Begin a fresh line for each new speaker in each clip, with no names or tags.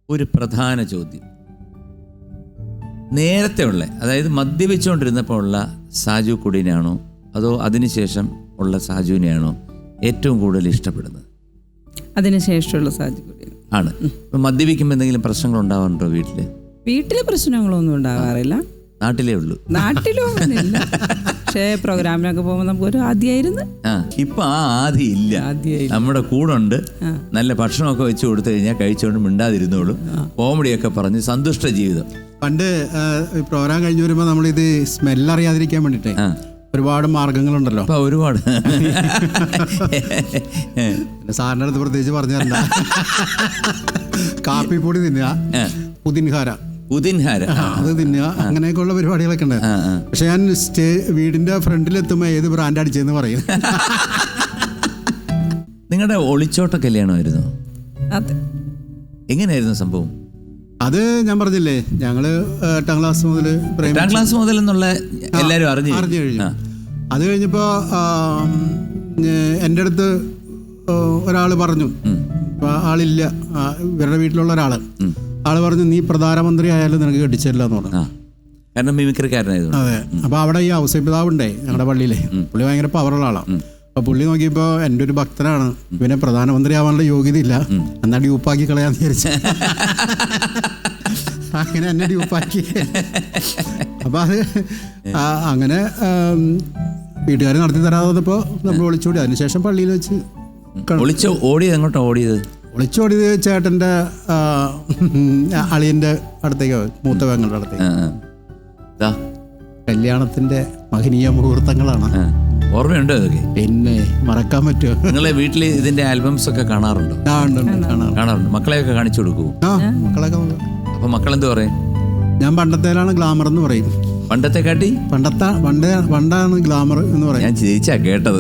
ഒരു പ്രധാന ചോദ്യം. നേരത്തെ ഉള്ള, അതായത് മദ്യപിച്ചുകൊണ്ടിരുന്നപ്പോൾ ഉള്ള സാജു കുടീനാണോ അതോ അതിനുശേഷം ഉള്ള സാജുവിനെയാണോ ഏറ്റവും കൂടുതൽ ഇഷ്ടപ്പെടുന്നത്?
അതിനുശേഷമുള്ള സാജു കുടീൻ
ആണ്. ഇപ്പം മദ്യപിക്കുമ്പോൾ എന്തെങ്കിലും പ്രശ്നങ്ങൾ ഉണ്ടാവാറുണ്ടോ വീട്ടില്?
വീട്ടിലെ പ്രശ്നങ്ങളൊന്നും ഉണ്ടാകാറില്ല.
നാട്ടിലേ ഉള്ളൂ.
നാട്ടിലും അങ്ങനെയില്ല. പക്ഷേ പ്രോഗ്രാമിനൊക്കെ പോകുമ്പോൾ നമുക്കൊരു ആദ്യമായിരുന്നു.
ഇപ്പൊ ആ ആദ്യം ഇല്ല. നമ്മുടെ കൂടെ നല്ല ഭക്ഷണമൊക്കെ വെച്ച് കൊടുത്തു കഴിഞ്ഞാൽ കഴിച്ചുകൊണ്ട് മിണ്ടാതിരുന്നോളും, കോമഡിയൊക്കെ പറഞ്ഞ് സന്തുഷ്ട ജീവിതം.
പണ്ട് പ്രോഗ്രാം കഴിഞ്ഞ് വരുമ്പോൾ നമ്മളിത് സ്മെല്ലറിയാതിരിക്കാൻ വേണ്ടിട്ടേ ഒരുപാട് മാർഗങ്ങളുണ്ടല്ലോ.
അപ്പൊ ഒരുപാട്
സാറിൻ്റെ അടുത്ത് പ്രത്യേകിച്ച് പറഞ്ഞു തരണ്ട. കാപ്പിപ്പൊടി തിന്നുക, പുതിൻഹാര അത് തിന്നുക, അങ്ങനെയൊക്കെയുള്ള പരിപാടികളൊക്കെ ഉണ്ട്. പക്ഷെ ഞാൻ വീടിന്റെ ഫ്രണ്ടിലെത്തുമ്പോ ഏത് ബ്രാൻഡ് അടിച്ചെന്ന് പറയും.
നിങ്ങളുടെ ഒളിച്ചോട്ട കല്യാണമായിരുന്നു?
അതെ.
എങ്ങനെയായിരുന്നു സംഭവം?
അത് ഞാൻ പറഞ്ഞില്ലേ, ഞങ്ങള് 8ാം ക്ലാസ് മുതൽ
എന്നുള്ള എല്ലാരും അറിഞ്ഞു
കഴിഞ്ഞു. അത് കഴിഞ്ഞപ്പോ എൻ്റെ അടുത്ത് ഒരാൾ പറഞ്ഞു, ആളില്ല, ഇവരുടെ വീട്ടിലുള്ള ആള് പറഞ്ഞു, നീ പ്രധാനമന്ത്രി ആയാലും നിനക്ക് കെട്ടിച്ചില്ല എന്ന് പറഞ്ഞു.
കാരണം മിമിക്രിക്കാരനായിരുന്നു.
അതെ. അപ്പൊ അവിടെ ഈ ഔസേപിതാവുണ്ടേ ഞങ്ങളുടെ പള്ളിയിലെ, പുള്ളി ഭയങ്കര പവറുള്ള ആളാണ്. അപ്പൊ പുള്ളി നോക്കിയപ്പോ എൻ്റെ ഒരു ഭക്തനാണ്, ഇവനെ പ്രധാനമന്ത്രി ആവാനുള്ള യോഗ്യത ഇല്ല, എന്നാ ഡ്യൂപ്പാക്കി കളയാന്ന് വിചാരിച്ചു. അങ്ങനെ എന്നെ ഡ്യൂപ്പാക്കി. അപ്പൊ അത് അങ്ങനെ വീട്ടുകാർ നടത്തി തരാതെ വന്നപ്പോ നമ്മൾ ഒളിച്ചോടി. അതിനുശേഷം പള്ളിയിൽ വെച്ച്
ഓടിയത്. എങ്ങോട്ടാ ഓടിയത്?
ഒളിച്ചോടിയത് ചേട്ടൻ്റെ അളിയൻ്റെ അടുത്തേക്ക്, മൂത്ത പെങ്ങളുടെ അടുത്തേക്ക്. കല്യാണത്തിന്റെ മഹനീയ മുഹൂർത്തങ്ങളാണ്.
ഓർമ്മയുണ്ടോ ഇതൊക്കെ?
പിന്നെ മറക്കാൻ പറ്റുമോ?
നിങ്ങളെ വീട്ടിൽ ഇതിന്റെ ആൽബംസ് ഒക്കെ കാണാറുണ്ടോ? കാണാറുണ്ട്. മക്കളെയൊക്കെ കാണിച്ചു കൊടുക്കൂ?
മക്കളൊക്കെ.
അപ്പൊ മക്കളെന്ത് പറയും?
ഞാൻ പണ്ടത്തേലാണ് ഗ്ലാമർ എന്ന് പറയും.
പണ്ടത്തെ കാട്ടി
പണ്ടാണ് ഗ്ലാമർ എന്ന് പറയും.
ഞാൻ ചിരിച്ചാ കേട്ടത്.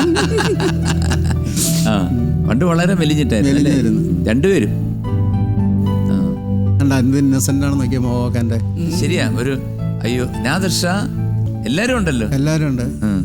പണ്ട് വളരെ മെലിഞ്ഞിട്ടായിരുന്നു രണ്ടുപേരും.
ഇന്നസെന്റ് ആണ് നോക്കിയ മോഹന്റെ.
ശരിയാ. ഒരു അയ്യോ നാദർഷ എല്ലാരും ഉണ്ടല്ലോ.
എല്ലാരും ഉണ്ട്.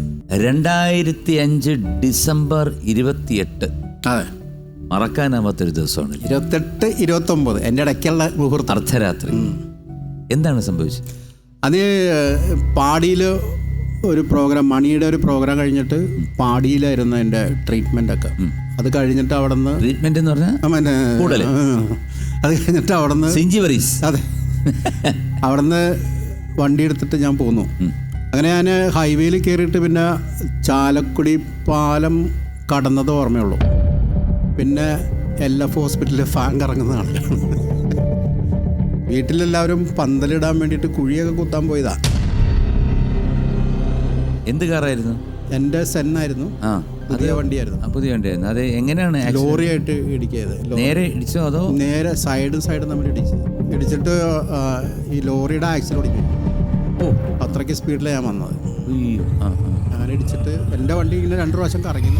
2005 ഡിസംബർ 28.
അതെ,
മറക്കാനാവാത്തൊരു ദിവസമാണ്.
28, 29 എൻ്റെ ഇടയ്ക്കുള്ള മുഹൂർത്തം,
അർദ്ധരാത്രി. എന്താണ് സംഭവിച്ചത്?
അത് പാടിയിൽ ഒരു പ്രോഗ്രാം, മണിയുടെ ഒരു പ്രോഗ്രാം കഴിഞ്ഞിട്ട് പാടിയിലായിരുന്നു എൻ്റെ ട്രീറ്റ്മെൻ്റ് ഒക്കെ. അത് കഴിഞ്ഞിട്ട് അവിടെ നിന്ന്
ട്രീറ്റ്മെന്റ് എന്ന് പറഞ്ഞാൽ
അത് കഴിഞ്ഞിട്ട് അവിടെ നിന്ന് അതെ അവിടെ നിന്ന് വണ്ടി എടുത്തിട്ട് ഞാൻ പോന്നു. അങ്ങനെ ഞാൻ ഹൈവേയിൽ കയറിയിട്ട് പിന്നെ ചാലക്കുടി പാലം കടന്നത് ഓർമ്മയുള്ളൂ. പിന്നെ LF ഹോസ്പിറ്റലിൽ ഫാൻ കറങ്ങുന്നതാണ്. വീട്ടിലെല്ലാവരും പന്തലിടാൻ വേണ്ടിയിട്ട് കുഴിയൊക്കെ കുത്താൻ പോയതാ.
എന്ത് കാറായിരുന്നു?
എൻ്റെ സെന്നായിരുന്നു. പുതിയ വണ്ടിയായിരുന്നു.
പുതിയ വണ്ടിയായിരുന്നു. അത് എങ്ങനെയാണ്?
ലോറിയായിട്ട് ഇടിക്കിയത്.
നേരെ ഇടിച്ചോ അതോ?
നേരെ സൈഡ് നമ്മൾ ഇടിച്ചിട്ട് ഈ ലോറിയുടെ ആക്സിൽ ഓടിക്കും. അത്രയ്ക്ക് സ്പീഡിലാണ് ഞാൻ വന്നത്. അങ്ങനെ ഇടിച്ചിട്ട് എൻ്റെ വണ്ടി ഇങ്ങനെ 2 പ്രാവശ്യം കറങ്ങി.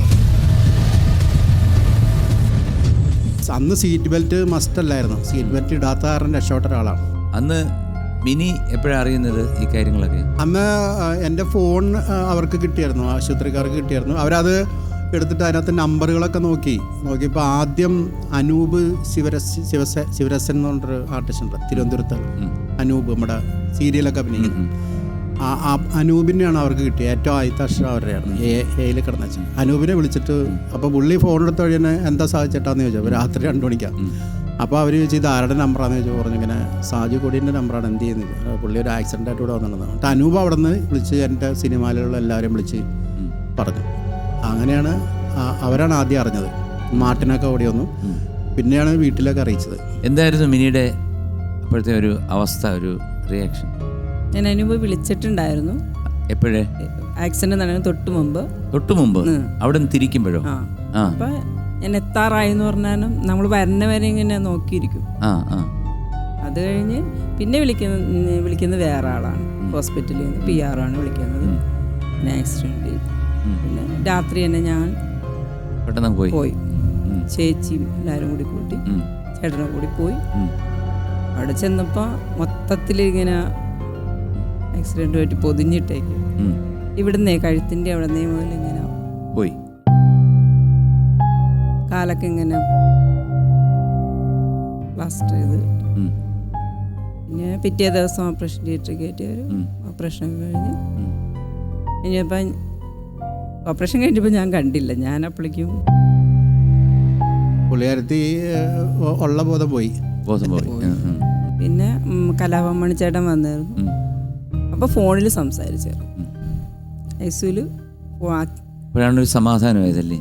അന്ന് സീറ്റ് ബെൽറ്റ് മസ്റ്റ് അല്ലായിരുന്നു. സീറ്റ് ബെൽറ്റ് ഇടാത്ത കാരണം രക്ഷപ്പെട്ട ഒരാളാണ്.
അന്ന് മിനി എപ്പോഴാണ് അറിയുന്നത് ഈ കാര്യങ്ങളൊക്കെ?
അന്ന് എൻ്റെ ഫോൺ അവർക്ക് കിട്ടിയായിരുന്നു, ആശുപത്രിക്കാർക്ക് കിട്ടിയായിരുന്നു. അവരത് എടുത്തിട്ട് അതിനകത്ത് നമ്പറുകളൊക്കെ നോക്കിയപ്പോൾ ആദ്യം അനൂപ് ശിവരസൻ എന്ന് പറഞ്ഞൊരു ആർട്ടിസ്റ്റ് ഉണ്ട് തിരുവനന്തപുരത്ത്. അനൂപ് നമ്മുടെ സീരിയലൊക്കെ അഭിനയിക്കുന്നത്. അനൂപിനെയാണ് അവർക്ക് കിട്ടിയത്. ഏറ്റവും ആദ്യത്തെ അക്ഷരം അവരുടെയാണ്, എയിൽ കിടന്ന വെച്ചാൽ. അനൂപിനെ വിളിച്ചിട്ട് അപ്പോൾ പുള്ളി ഫോണെടുത്ത് വഴി തന്നെ എന്താ സാധിച്ചിട്ടാന്ന് ചോദിച്ചു. രാത്രി 2 മണിക്കാണ്. അപ്പോൾ അവർ ചോദിച്ചു ഇത് ആരുടെ നമ്പറാണെന്ന് ചോദിച്ചു. പറഞ്ഞു ഇങ്ങനെ സാജു കൊടീൻ്റെ നമ്പറാണ്, എന്ത് ചെയ്യുന്നത്? പുള്ളി ഒരു ആക്സിഡൻ്റായിട്ട് ഇവിടെ വന്നിട്ടുണ്ടെന്ന്. എന്നിട്ട് അനൂപ് അവിടെ നിന്ന് വിളിച്ച് എൻ്റെ സിനിമയിലുള്ള എല്ലാവരെയും വിളിച്ച് പറഞ്ഞു. അങ്ങനെയാണ് അവരാണ് ആദ്യം അറിഞ്ഞത്. മാർട്ടിനൊക്കെ ഓടി വന്നു. പിന്നെയാണ് വീട്ടിലൊക്കെ അറിയിച്ചത്.
എന്തായിരുന്നു മിനിയുടെ അപ്പോഴത്തെ ഒരു അവസ്ഥ, ഒരു റിയാക്ഷൻ?
ഞാൻ അനൂപ് വിളിച്ചിട്ടുണ്ടായിരുന്നു.
എപ്പോഴേ?
ആക്സിഡന്റ് നടന്നതിന് തൊട്ട് മുമ്പ്
അവിടെ നിന്ന് തിരിക്കുമ്പോഴോ?
അപ്പൊ ഞാൻ എത്താറായി എന്ന് പറഞ്ഞാലും നമ്മൾ വരുന്ന വരെ ഇങ്ങനെ നോക്കിയിരിക്കും. അത് കഴിഞ്ഞ് പിന്നെ വിളിക്കുന്നത് വേറെ ആളാണ്. ഹോസ്പിറ്റലിൽ നിന്ന് PR ആണ് വിളിക്കുന്നത്. പിന്നെ ആക്സിഡന്റ്. പിന്നെ രാത്രി തന്നെ ഞാൻ
പെട്ടെന്ന് പോയി.
ചേച്ചിയും എല്ലാവരും കൂടി കൂട്ടി ചേട്ടനെ കൂടി പോയി. അവിടെ ചെന്നപ്പോൾ മൊത്തത്തിൽ ഇങ്ങനെ ആക്സിഡന്റ് പറ്റി പൊതിഞ്ഞിട്ടേക്ക്. ഇവിടുന്നേ കഴുത്തിൻ്റെ അവിടുന്നേ മുതൽ ഇങ്ങനെ
പോയി.
കാലൊക്കെ ഇങ്ങനെ പ്ലാസ്റ്റർ ചെയ്ത് കിട്ടി.
ഉം.
പിന്നെ പിറ്റേ ദിവസം ഓപ്പറേഷൻ തിയേറ്ററിൽ കയറ്റി ഒരു ഓപ്പറേഷൻ കഴിഞ്ഞ് ഇനിയിപ്പം ഓപ്പറേഷൻ കഴിഞ്ഞപ്പോൾ ഞാൻ കണ്ടില്ല. ഞാൻ അപ്പോഴേക്കും
പുള്ളിക്കാരത്തി ഉള്ള ബോധം പോയി.
ബോധം പോയി.
പിന്നെ കലാഭവൻ മണിച്ചേട്ടൻ വന്നായിരുന്നു. അപ്പോൾ ഫോണിൽ സംസാരിച്ചായിരുന്നു. ഐസിയുൽ
അപ്പോഴാണൊരു സമാധാനമായതല്ലേ.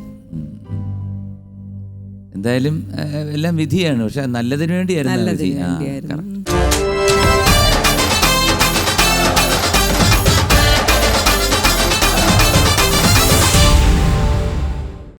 എന്തായാലും എല്ലാം വിധിയാണ്, പക്ഷെ നല്ലതിന് വേണ്ടിയായിരുന്നു.
നല്ലതിന് വേണ്ടിയായിരുന്നു.